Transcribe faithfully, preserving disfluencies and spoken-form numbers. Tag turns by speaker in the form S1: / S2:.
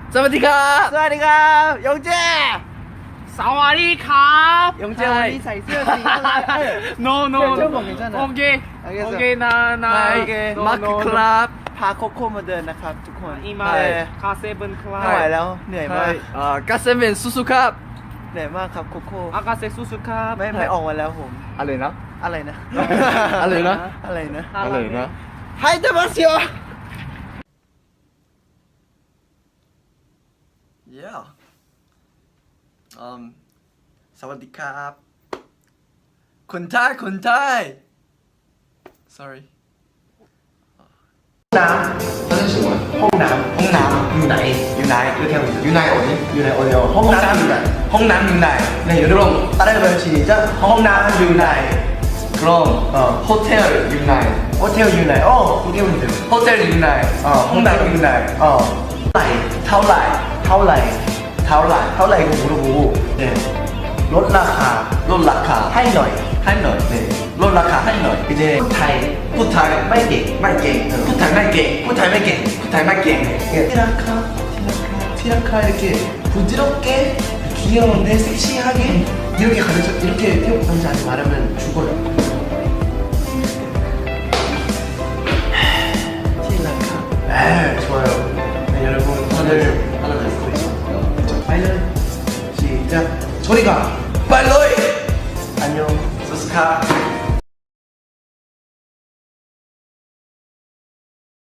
S1: สวัสดีครับ
S2: สวัสดีครับยงเจ
S3: สวัสดีครับ
S2: ยงเจวันนี้ใส่เสื้อสีอะไร
S3: no no
S2: เชื่อผม괜찮아
S3: โอเคโอเคนะนะ
S2: โอเค
S1: มาร์คครับ
S2: พาโคโค่มาเดินนะครับทุกคน
S3: อีมา
S2: เออ
S3: คาเซเบินคลา
S2: ไม่ไหวแล้วเหนื่อย
S1: ใช่
S2: มาก
S1: เอ่อกาเซเว่นสู้ๆครับ
S2: เหนื่อยมากครับโคโค่
S3: อากาเซสุสุครับ
S2: ไม่ไม่ออกมาแล้วผม
S1: อะไรนะ
S2: อะไรนะ
S1: อะไรนะ
S2: อะไรนะ
S1: อะไรนะ
S2: ไฮเดมัสโย
S1: yeah um สวัสดีครับคนไทยคนไทย sorry
S4: น้ำห้องน้ำห้องน้ำอยู่ไหนอยู่ไหนอยู่แถวอยู่ไหน어디อยู่ไหน어디요ห้องน้ำอยู่ไหนห้องน้ำอยู่ไหน네 여러분 따라해봐요 시작ห้องน้ำอยู่ไหน그럼 어 호텔อยู่ไหน호텔อยู่ไหน어 호텔อยู่ไหน호텔อยู่ไหน어ห้องน้ำอยู่ไหน어เท่าไหร่เท่าไหร่เท่าไหร่เท่าไหร่그 물어보고 네ลดราคาลดราคาให้หน่อยให้หน่อย네ลดราคาให้หน่อย이제พูดไทยพูดไทยไม่เก่งไม่เก่งพูดไทยไม่เก่งพูดไทยไม่เก่งพูดไทยไม่เก่ง티라카 티라카 티라카 이렇게 부드럽게 귀여운데 섹시하게 이렇게 가르쳐 이렇게 태국 남자한테 말하면 죽어요 티라카 네 좋아요 네 여러분 오늘 하나 가지고 있어요 빨리 시작 저리가 빨리 안녕 소스카